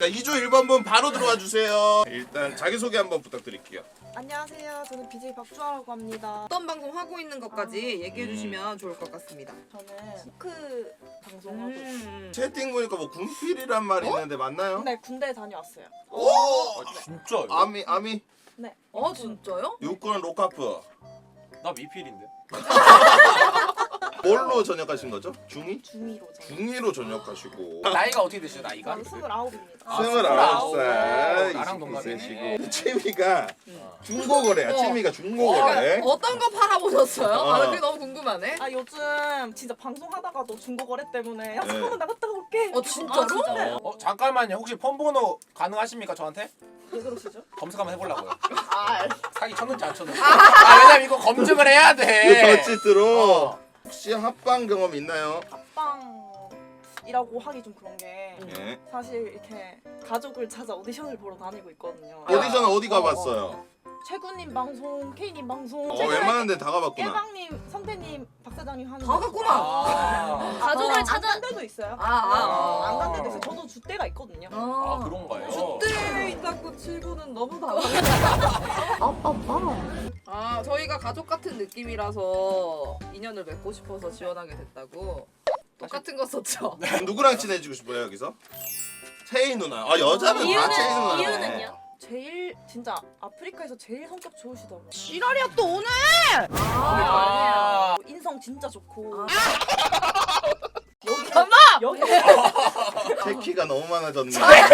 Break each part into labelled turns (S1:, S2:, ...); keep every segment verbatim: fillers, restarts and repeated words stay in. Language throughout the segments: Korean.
S1: 이 조 일 번분 바로 들어와 주세요. 일단 자기소개 한번 부탁드릴게요.
S2: 안녕하세요. 저는 비제이 박주아라고 합니다.
S3: 어떤 방송 하고 있는 것까지 얘기해 주시면 좋을 것 같습니다.
S2: 저는 후크 방송하고
S3: 음.
S1: 채팅 보니까 뭐 군필이란 말이 있는데 맞나요?
S2: 네, 군대 다녀왔어요.
S1: 오!
S4: 아, 진짜요?
S1: 아미 아미
S2: 네.
S3: 어 진짜요?
S1: 육군 로카프.
S4: 나 미필인데.
S1: 뭘로 전역하신 거죠? 중이?
S2: 중이로 저는.
S1: 중이로 전역하시고.
S4: 나이가 어떻게 되시죠? 나이가?
S2: 저는 스물아홉입니다.
S4: 아,
S1: 스물아홉 살.
S4: 나랑 동갑이네.
S1: 이십이 세시고. 취미가
S3: 응.
S1: 중고거래야.
S3: 어.
S1: 취미가
S3: 어,
S1: 중고거래.
S3: 어떤 거 팔아보셨어요?
S1: 어.
S3: 아, 그게 너무 궁금하네.
S2: 아 요즘 진짜 방송하다가도 중고거래 때문에 야
S1: 네.
S2: 잠깐만 나갔다 올게.
S3: 어 진짜로?
S2: 진짜요?
S4: 어 잠깐만요. 혹시 폰번호 가능하십니까 저한테?
S2: 왜 그러시죠?
S4: 검색 한번 해보려고요.
S2: 아
S4: 사기 쳤는지 안 쳤는지. 아 왜냐면 이거 검증을 해야
S1: 그
S4: 돼.
S1: 더치트로
S4: 어.
S1: 혹시 합방 경험 있나요?
S2: 합방이라고 하기 좀 그런 게
S1: 예.
S2: 사실 이렇게 가족을 찾아 오디션을 보러 다니고 있거든요.
S1: 오디션 어디
S2: 어,
S1: 가봤어요?
S2: 최군님 방송, K님 방송,
S1: 어,
S2: 최근에
S1: 웬만한 데 다 가봤구나.
S2: 깨방님, 성태님, 박사장님 하는
S3: 다
S2: 거.
S3: 갔구나.
S4: 아,
S5: 가족을
S2: 안
S5: 찾아
S2: 간 데도 있어요.
S3: 아, 아,
S4: 아.
S2: 안 간 데도 있어요. 저도 주대가 있거든요.
S4: 아 그런가요?
S3: 주대 있다고 치고는 너무 다르다. 아 저희가 가족 같은 느낌이라서 인연을 맺고 싶어서 지원하게 됐다고. 똑같은 거 썼죠.
S1: 누구랑 친해지고 싶어요 여기서? 채희 누나. 아 여자는 다
S5: 이유는-
S1: 채희 누나네.
S5: 이유는요?
S2: 제일 진짜 아프리카에서 제일 성격 좋으시더라고요.
S3: 지랄이야 또 오늘.
S4: 아.
S2: 인성 진짜 좋고.
S3: 아.
S2: 여기
S3: 엄마!
S2: 여기
S1: 체키가 너무 많아졌네.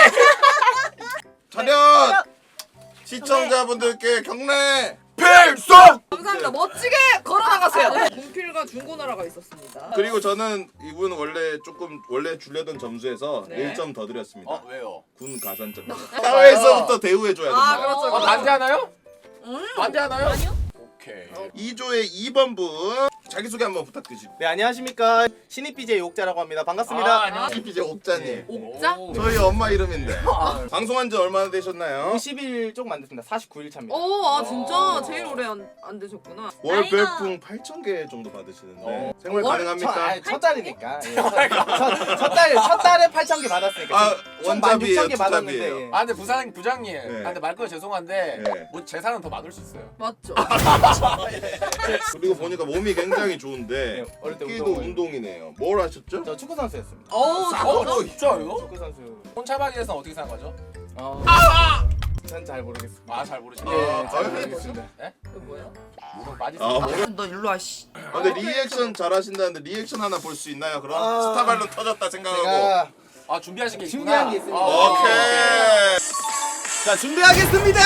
S1: 차렷! 시청자분들께 경례 필속!
S3: 감사합니다. 멋지게 걸어나가세요. 군필과 중고나라가 있었습니다.
S1: 그리고 저는 이분 원래 조금 원래 주려던 점수에서
S3: 네.
S1: 일 점 더 드렸습니다.
S4: 어 왜요?
S1: 군 가산점. 사회에서부터 대우해줘야
S3: 아
S1: 된다.
S3: 그렇죠.
S4: 어 반대하나요?
S3: 음.
S4: 반대하나요?
S5: 아니요?
S4: 오케이.
S1: 이 조의 이 번 분 자기소개 한번 부탁드립니다.
S6: 네, 안녕하십니까. 신입 비제이 옥자라고 합니다. 반갑습니다.
S4: 아, 안녕하세요.
S1: 이피제 옥자님.
S3: 옥자?
S4: 오.
S1: 저희 엄마 이름인데. 방송한 지 얼마나 되셨나요?
S6: 이십 일 조금 안 됐습니다. 사십구 일 차입니다.
S3: 오, 아 진짜 제일 오래 안, 안 되셨구나.
S1: 월
S5: 나이가-
S1: 별풍 팔천 개 정도 받으시는데
S4: 어.
S1: 생활
S6: 월?
S1: 가능합니까?
S6: 첫, 아니, 첫 달이니까. 예, 첫, 첫, 첫 달, 첫 달에 팔천 개 받았으니까.
S1: 아
S6: 총 만
S1: 원잡이에요,
S6: 육천 개 받았는데.
S1: 투잡이에요.
S6: 예.
S4: 아 근데 부산 부장님.
S1: 네.
S4: 아 근데 말거 죄송한데
S1: 네.
S4: 뭐 재산은 더 많을 수 있어요.
S3: 맞죠?
S1: 그리고 보니까 몸이 굉장히 좋은데
S6: 네, 어릴 때
S1: 끼도
S6: 운동을.
S1: 운동이네요. 뭘 하셨죠?
S6: 저 축구 선수였습니다.
S3: 어,
S4: 어 진짜요?
S6: 축구 선수.
S4: 혼차박에 대해서는 어떻게 생각하죠?
S6: 어. 전 잘 모르겠습니다.
S4: 아 잘 모르시네.
S6: 예,
S1: 아,
S6: 잘
S1: 아,
S6: 모르겠습니다.
S3: 이거 뭐예요?
S4: 물은 빠지지.
S1: 아, 뭐-
S3: 너 일로 와 씨.
S1: 아, 근데 리액션 잘하신다는데 리액션 하나 볼 수 있나요? 그럼
S6: 아.
S1: 스타발론 터졌다 생각하고.
S6: 제가
S4: 아 준비하신 게 있구나.
S6: 준비한 게 있습니다.
S4: 아,
S1: 오케이.
S6: 자, 준비하겠습니다.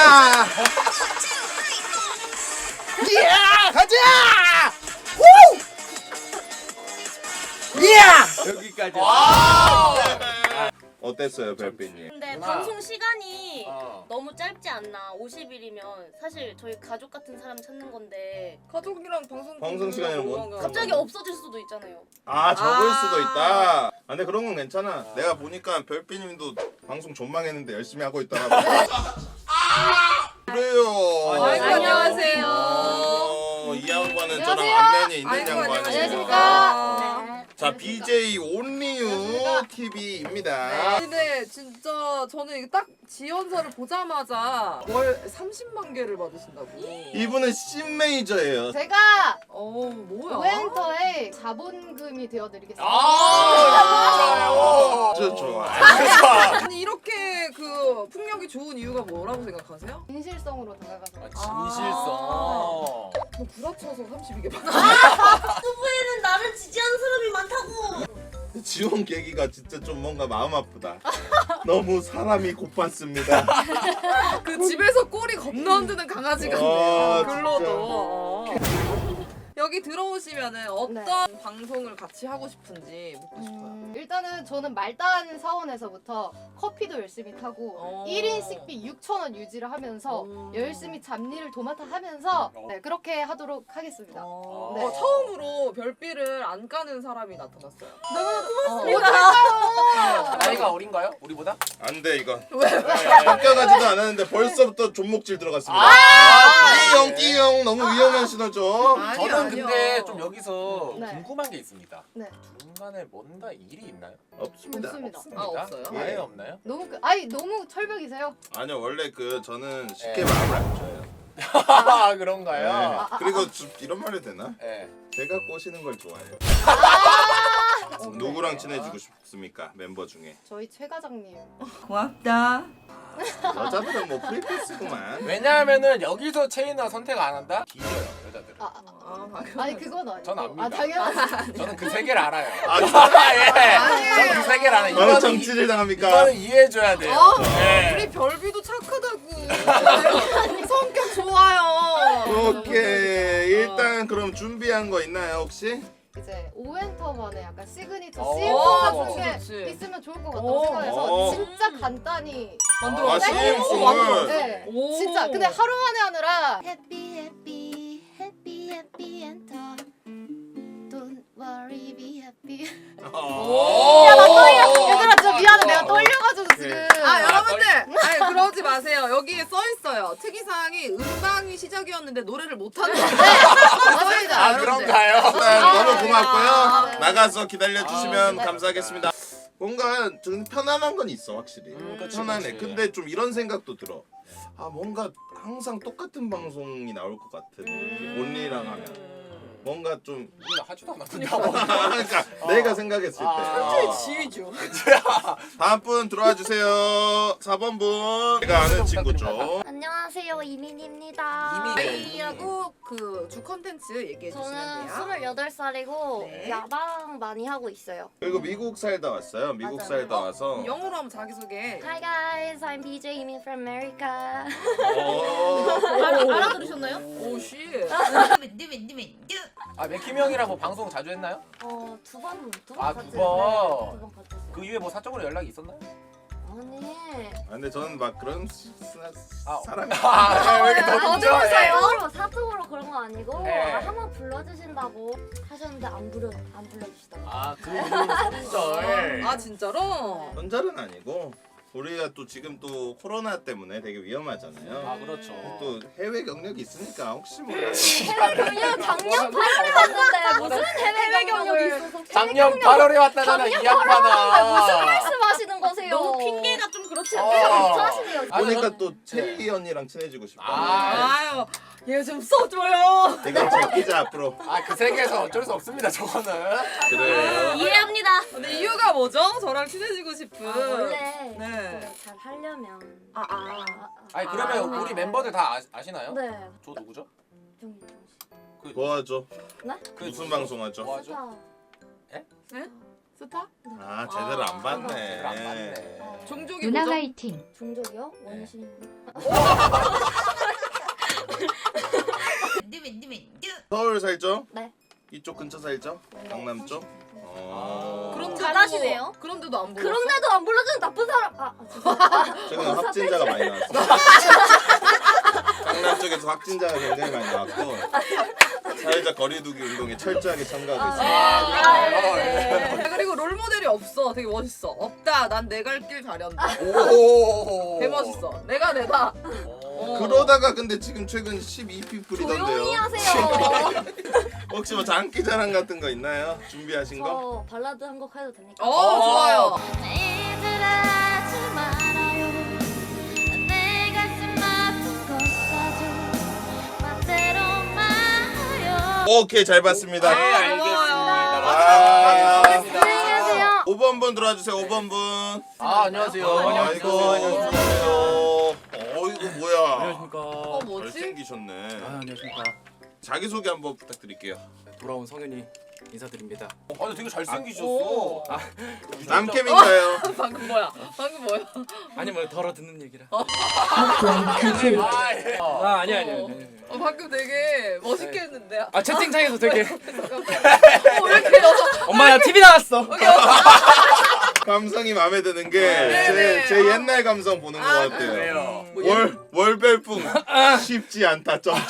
S6: 예! 가자! 후! 예! 여기까지.
S4: 아.
S1: 어땠어요, 별빛님?
S5: 근데
S4: 누나.
S5: 방송 시간이
S4: 어.
S5: 너무 짧지 않나? 오십 일이면 사실 저희 가족 같은 사람 찾는 건데
S3: 가족이랑 방송
S1: 방송 시간이랑 뭐-
S3: 뭐가-
S5: 갑자기 없어질 수도 있잖아요.
S1: 아, 적을
S3: 아.
S1: 수도 있다. 아, 근데 그런 건 괜찮아. 내가 보니까 별빛님도 방송 존망했는데 열심히 하고 있더라고. 그래요.
S3: 아이고, 안녕하세요.
S1: 어, 이 양반은 저랑
S3: 안녕하세요.
S1: 안면이 있는
S3: 아이고,
S1: 양반이에요.
S3: 안녕하십니까.
S5: 네.
S1: 자, 비제이 온리유 티비입니다.
S3: 근데 진짜 저는 이게 딱 지원서를 보자마자 월 삼십만 개를 받으신다고.
S1: 이분은 씬 메이저예요.
S7: 제가
S3: 어 뭐야?
S7: 오엔터의 자본금이 되어드리겠습니다.
S4: 아 진짜요?
S1: 저 좋아.
S3: 아니 이렇게 그 풍력이 좋은 이유가 뭐라고 생각하세요?
S7: 진실성으로 다가가서
S4: 아, 진실성.
S3: 너 구라쳐서 삼십이 개 받아.
S5: 유튜브에는 나를 지지하는 사람이 많다고.
S1: 지원 계기가 진짜 좀 뭔가 마음 아프다. 너무 사람이 고팠습니다.
S3: 그 집에서 꼬리 겁나 흔드는 강아지 같네요.
S1: 아,
S3: 글로도.
S1: 진짜.
S3: 어. 여기 들어오시면은 어떤
S7: 네.
S3: 방송을 같이 하고 싶은지 묻고 싶어요.
S7: 음, 일단은 저는 말단 사원에서부터 커피도 열심히 타고
S3: 어.
S7: 일 인 식비 육천 원 유지를 하면서
S3: 음.
S7: 열심히 잡일을 도맡아 하면서
S4: 어.
S7: 네, 그렇게 하도록 하겠습니다.
S3: 어,
S7: 네.
S3: 어, 처음으로 별빛을 안 까는 사람이 나타났어요.
S4: 나이가 어린가요? 우리보다?
S1: 안 돼 이건.
S3: 왜?
S1: 합격하지도 않았는데 벌써부터 존목질 들어갔습니다.
S4: 아,
S1: 띠용 띠용 너무 위험한 신호죠.
S3: 아니야.
S4: 저는 저는 근데
S3: 아니요.
S4: 좀 여기서
S7: 네.
S4: 궁금한 게 있습니다.
S7: 네.
S4: 중간에 뭔가 일이 있나요?
S1: 없습니다.
S7: 없습니다.
S4: 없습니다.
S3: 아, 없어요?
S4: 아예
S1: 예.
S4: 없나요?
S7: 너무 그, 아니 너무 철벽이세요.
S1: 아니요 원래 그 저는 쉽게
S4: 네.
S1: 마음을 안 줘요.
S4: 아
S1: 네.
S4: 그런가요?
S1: 그리고 좀 이런 말 해도 되나?
S4: 네.
S1: 제가 꼬시는 걸 좋아해요.
S7: 아!
S1: 누구랑 친해지고 싶습니까? member 중에.
S7: 저희 최 과장님.
S2: 고맙다.
S1: 여자들은 뭐 프리패스구만.
S4: 왜냐하면은 여기서 체인을 선택 안 한다? 뒤져요 여자들은.
S7: 아, 아,
S3: 아, 방금.
S7: 아니 그건 아니고.
S4: 전 압니다.
S7: 아 당연하지.
S4: 저는 그 세 개를 알아요.
S1: 아, 진짜?
S4: 예. 저는 그 세 개를 알아요.
S1: 바로
S4: 이거는
S1: 정치를 당합니까?
S4: 이거는 이해해줘야 돼요.
S3: 어?
S4: 네.
S3: 우리 별비도 착하다고. 성격 좋아요.
S1: 오케이. 일단 그럼 준비한 거 있나요 혹시?
S7: 이제 오엔터만의 약간 시그니처
S4: 오,
S7: 씬 같은
S3: 좋지,
S7: 게
S3: 좋지.
S7: 있으면 좋을 것 같다고
S3: 오.
S7: 생각해서
S1: 오.
S7: 진짜 간단히
S3: 만들어.
S1: 아, 싱싱을.
S7: 네,
S3: 오.
S7: 진짜 근데 하루 만에 하느라
S8: Happy, happy, happy, happy and talk. Don't worry, be happy.
S1: 오.
S7: 야, 나 떨려. 얘들아 진짜 미안해. 내가 떨려가지고
S1: 오케이.
S7: 지금.
S3: 아 여러분들, 아니 그러지 마세요. 여기에 써 있어요. 특이사항이 음방이 시작이었는데 노래를 못하는 거.
S7: 맞습니다.
S4: 아 그런가요?
S1: 일단
S7: 아,
S1: 너무
S7: 네.
S1: 고맙고요.
S7: 아, 네.
S1: 나가서 기다려주시면
S4: 아, 네.
S1: 감사하겠습니다. 뭔가 좀 편안한 건 있어 확실히.
S4: 음, 그치,
S1: 편안해.
S4: 그치.
S1: 근데 좀 이런 생각도 들어. 아 뭔가 항상 똑같은 방송이 나올 것 같은
S3: 음.
S1: 온리랑 하면 뭔가 좀
S4: 우리는 하지도 않았는데.
S1: 그러니까 내가 생각했을 때.
S4: 아.
S1: 어.
S3: 지휘죠.
S1: 다음 분 들어와 주세요. 사 번 분. 제가 아는 친구죠.
S8: 안녕하세요, 이민입니다.
S4: 이민.
S3: 아이하고 그 주 컨텐츠 얘기해 주시면
S8: 저는
S3: 돼요.
S8: 스물여덟 살이고
S3: 네.
S8: 야방 많이 하고 있어요.
S1: 그리고 미국 살다 왔어요. 미국
S8: 맞아요.
S1: 살다 와서.
S3: 영어로 한번 자기 소개.
S8: Hi guys, I'm B J Imin from America.
S1: 어.
S5: 알아, 알아들으셨나요?
S3: 오 씨.
S4: 아 맥힘 형이랑 뭐 방송 자주 했나요?
S8: 어, 두 번, 두 번
S4: 아,
S8: 같이
S4: 두 번.
S8: 두번 같이 했어요.
S4: 그 이후에 뭐 사적으로 연락이 있었나요?
S8: 아니.
S1: 아, 근데 저는 막 그런 사,
S4: 아,
S1: 사람이
S4: 아, 왜 이렇게 더 늦죠? 예.
S8: 사적으로 사적으로 그런 거 아니고
S4: 네.
S8: 아, 한번 불러주신다고 하셨는데 안 불러 안 불러주시더라고요.
S4: 아, 그 이후로 손절.
S3: 아 진짜로?
S1: 전잘은 아니고 우리가 또 지금 또 코로나 때문에 되게 위험하잖아요.
S4: 아, 그렇죠.
S1: 또 해외 경력이 있으니까 혹시 몰라.
S8: 해외 경력 작년 팔월에 왔는데 무슨 해외 경력이 있어서
S4: 작년 팔월에 왔다잖아, 이
S8: 무슨
S4: 양반아.
S8: 말씀하시는 거세요?
S5: 너무 핑계가 좀 그렇지
S4: 어.
S5: 않나요?
S8: 하시네요.
S4: 아니,
S1: 보니까
S4: 저는-
S1: 또 체리 언니랑 친해지고 싶다.
S4: 아.
S3: 아유, 얘 좀 써줘요.
S1: 이거 제끼자 앞으로.
S4: 아, 그 세계에서 어쩔 수 없습니다, 저거는.
S1: 그래.
S5: 이해합니다.
S3: 근데 이유가 뭐죠? 저랑 친해지고 싶은.
S8: 아, 원래
S3: 네.
S8: 그걸 잘 하려면
S3: 아, 아.
S4: 아니, 그러면
S3: 아.
S4: 우리 멤버들 다 아, 아시나요?
S8: 네.
S4: 저 누구죠?
S8: 종이 종이.
S4: 그,
S1: 도와줘.
S8: 네?
S4: 그
S1: 무슨
S4: 누구죠?
S1: 방송 하죠?
S4: 뭐 하죠?
S8: 스타.
S3: 스타?
S1: 아 제대로 안 봤네.
S4: 제대로 안 봤네.
S3: 종족이
S9: 누나
S3: 뭐죠?
S9: 화이팅.
S8: 종족이요? 원신.
S1: 서울 살죠?
S8: 네.
S1: 이쪽 근처 살죠? 강남 쪽? 어.
S3: 그런데도-
S5: 잘하시네요.
S3: 그런데도 안 보여.
S8: 그런데도 안 불러주는 나쁜 사람. 아, 아 죄송합니다.
S1: 최근에 확진자가 많이 나왔어. 강남 쪽에서 확진자가 굉장히 많이 나왔고 사회적 거리두기 운동에 철저하게 참가하고 있습니다.
S8: 아,
S4: 네.
S8: 네.
S3: 아, 그리고 롤 모델이 없어. 되게 멋있어. 없다. 난 내 갈 길 가련다.
S4: 오.
S3: 개 멋있어. 내가 내다.
S4: 오.
S1: 그러다가 근데 지금 최근 십이 피플이던데요.
S8: 조용히 하세요.
S1: 혹시 뭐 장기 자랑 같은 거 있나요? 준비하신 거?
S8: 저 발라드 한 곡 해도 됩니까?
S3: 어, 좋아요.
S8: 얘들아 지 말아요. 내 가슴 아픈 것 사줘. 맘대로만 해요.
S1: 오케이 잘 봤습니다.
S4: 네, 알겠습니다.
S1: 아.
S4: 마지막 하겠습니다.
S8: 안녕히 계세요.
S1: 오 번 분 들어와 주세요. 오 번 분.
S4: 아, 안녕하세요.
S1: 아이고. 안녕하세요. 어이구 뭐야.
S10: 안녕하십니까.
S3: 어, 뭐지?
S1: 잘생기셨네.
S10: 아, 안녕하십니까.
S1: 자기 소개 한번 부탁드릴게요.
S10: 돌아온 성현이 인사드립니다.
S4: 어, 아니, 되게 잘생기셨어.
S3: 오.
S4: 아,
S1: 남캠인가요?
S3: 방금 뭐야? 방금 뭐야?
S10: 아니 뭐 덜어 듣는 얘기라.
S4: 아, 예.
S10: 아, 아니 아니 아니. 아니.
S3: 어, 방금 되게 멋있게 했는데.
S10: 아, 채팅창에서 되게
S3: 어, 왜 이렇게 여자?
S10: 엄마 나 티비 나왔어.
S1: 감성이 마음에 드는 게
S3: 네, 네.
S1: 제 제 옛날 감성 보는 것
S3: 아,
S1: 같아요.
S4: 그래요.
S1: 월 월별풍 쉽지 않다. 점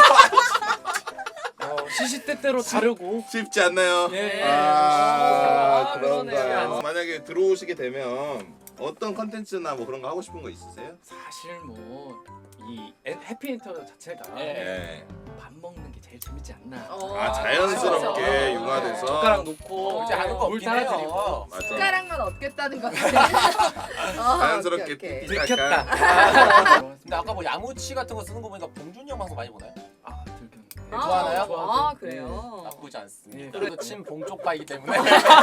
S10: 어, 시시때때로 다르고.
S1: 쉽지 않나요?
S10: 예.
S1: 아,
S3: 아,
S1: 그런가요?
S3: 그러네요.
S1: 만약에 들어오시게 되면 어떤 컨텐츠나 뭐 그런 거 하고 싶은 거 있으세요?
S10: 사실 뭐 이 해피엔터 자체가
S1: 네.
S10: 밥 먹는 게 제일 재밌지 않나.
S3: 어,
S1: 아 자연스럽게
S3: 그렇죠.
S1: 융화돼서
S10: 젓가락 놓고
S3: 어,
S10: 이제
S4: 하는 거
S10: 물
S4: 없긴
S10: 따라드리고.
S4: 해요.
S1: 맞아.
S3: 숟가락만 얻겠다는 거지.
S1: 자연스럽게
S3: 오케이, 오케이.
S1: 삐삐
S10: 들켰다.
S1: 깎아.
S4: 근데 아까 뭐 야무치 같은 거 쓰는 거 보니까 봉준이 형 방송 많이 보나요?
S10: 아 들켰네.
S3: 아,
S4: 좋아하나요?
S3: 아 그래요.
S4: 나쁘지 않습니다.
S10: 네.
S4: 그래도 친 봉쪽파이기 때문에.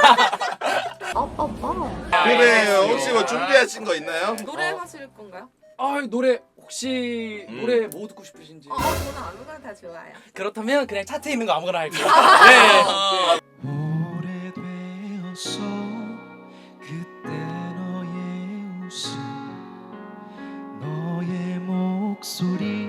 S1: 그래요. 혹시 뭐 준비하신 거 있나요?
S3: 노래 하실 건가요?
S10: 아 노래 혹시
S1: 음.
S10: 노래 뭐 듣고 싶으신지.
S3: 어, 저는 아무거나 다 좋아요.
S10: 그렇다면 그냥 차트에 있는 거 아무거나 할게요. 네.
S9: 오래되었어 그때 너의 웃음 너의 목소리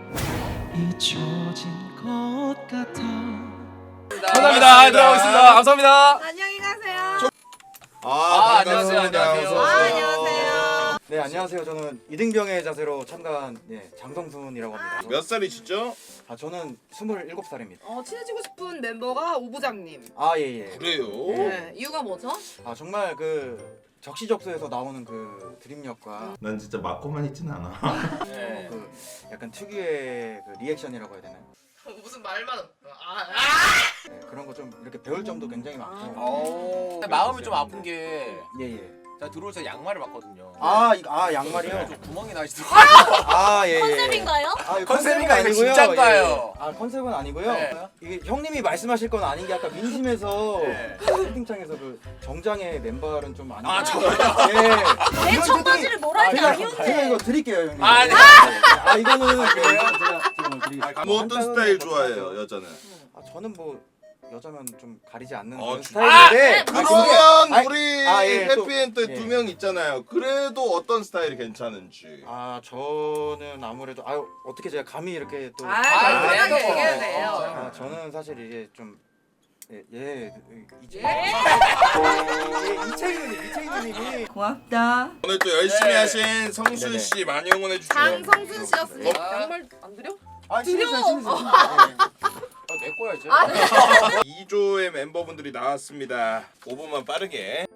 S9: 잊혀진 것 같아.
S10: 감사합니다. 들어가고 있습니다. 감사합니다.
S3: 안녕히 가세요.
S1: 아,
S4: 아,
S1: 반갑습니다.
S4: 안녕하세요, 안녕하세요.
S1: 어서
S3: 아,
S1: 오세요.
S3: 안녕하세요.
S6: 네 안녕하세요. 저는 이등병의 자세로 참가한 네, 장성순이라고 합니다.
S1: 몇 살이시죠?
S6: 아 저는 스물일곱 살입니다.
S3: 어, 친해지고 싶은 멤버가 오 부장님.
S6: 아 예예.
S1: 그래요?
S3: 네, 이유가 뭐죠?
S6: 아 정말 그 적시적소에서 나오는 그 드립력과
S1: 난 진짜 맞고만 있진 않아.
S4: 네.
S6: 그 약간 특유의 그 리액션이라고 해야 되나요?
S3: 무슨 말만. 아,
S6: 네, 그런 거 좀 이렇게 배울 점도 굉장히 많고.
S4: 어. 마음이 좀 아픈 게
S6: 예예.
S4: 제가 들어올 때 양말을 봤거든요.
S6: 아, 이- 아 양말이요?
S4: 좀 구멍이 나시더라고요.
S6: 아 예예.
S5: 컨셉인가요?
S6: 아,
S4: 컨셉인가 아니고
S6: 아니고요.
S4: 진짠가요?
S6: 예. 아 컨셉은 아니고요.
S4: 네.
S6: 이게 형님이 말씀하실 건 아닌 게 아까 민심에서
S4: 네.
S6: 채팅창에서 그 정장의 맨발은 좀 아니고.
S4: 아, 저-
S6: 예.
S5: 내
S6: 이건
S5: 청바지를 뭐라 할지
S6: 제가,
S5: 아쉬운데.
S6: 제가 이거 드릴게요 형님.
S4: 아, 네.
S6: 아 이거는 제가 제가 지금 드리겠습니다.
S1: 뭐 어떤 스타일 좋아해요, 여자는?
S6: 아 저는 뭐 여자면 좀 가리지 않는
S1: 어,
S6: 그런
S1: 주-
S6: 스타일인데. 아,
S1: 그러면
S6: 아니,
S1: 우리
S6: 아, 예, 또-
S1: 해피엔드
S6: 예.
S1: 두 명 있잖아요. 그래도 어떤 스타일이 괜찮은지.
S6: 아 저는 아무래도 아 어떻게 제가 감히 이렇게 또.
S3: 아,
S4: 아,
S3: 편하게
S4: 그래요?
S3: 얘기해도 돼요.
S6: 아 저는 사실 이게 좀 예, 예, 이채
S3: 예?
S6: 예, 이채윤님, 이채윤님이
S3: 고맙다.
S1: 오늘 또 열심히
S4: 네.
S1: 하신 성순
S6: 네네.
S1: 씨 많이 응원해 주시고.
S3: 장성순 씨였습니다.
S4: 어?
S3: 양말 안 드려?
S6: 아
S3: 드려!
S6: 신으세요, 신으세요.
S4: 아, 내 거야 이제.
S1: 이 조의 멤버분들이 나왔습니다. 오 분만 빠르게.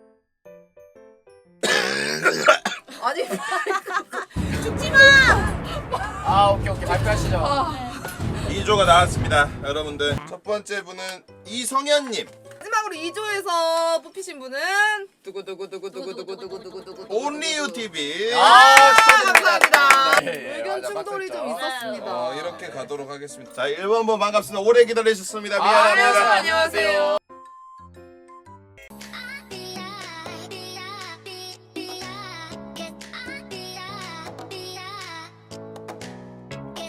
S3: 아니,
S4: 아 오케이 오케이 발표하시죠.
S1: 이 조가 나왔습니다. 여러분들 첫 번째 분은 이성현님.
S3: 마지막으로 이 조에서 뽑히신 분은 두구두구두구두구두구두구두구두구
S1: 온리유 티비.
S3: 아, 감사합니다.
S4: 네,
S3: 의견
S4: 맞아,
S3: 충돌이 좀
S4: 맞았죠.
S3: 있었습니다.
S1: 어, 이렇게 가도록 하겠습니다. 자, 일 번 번 반갑습니다. 오래 기다리셨습니다.
S3: 아,
S1: 미안합니다.
S3: 안녕하세요.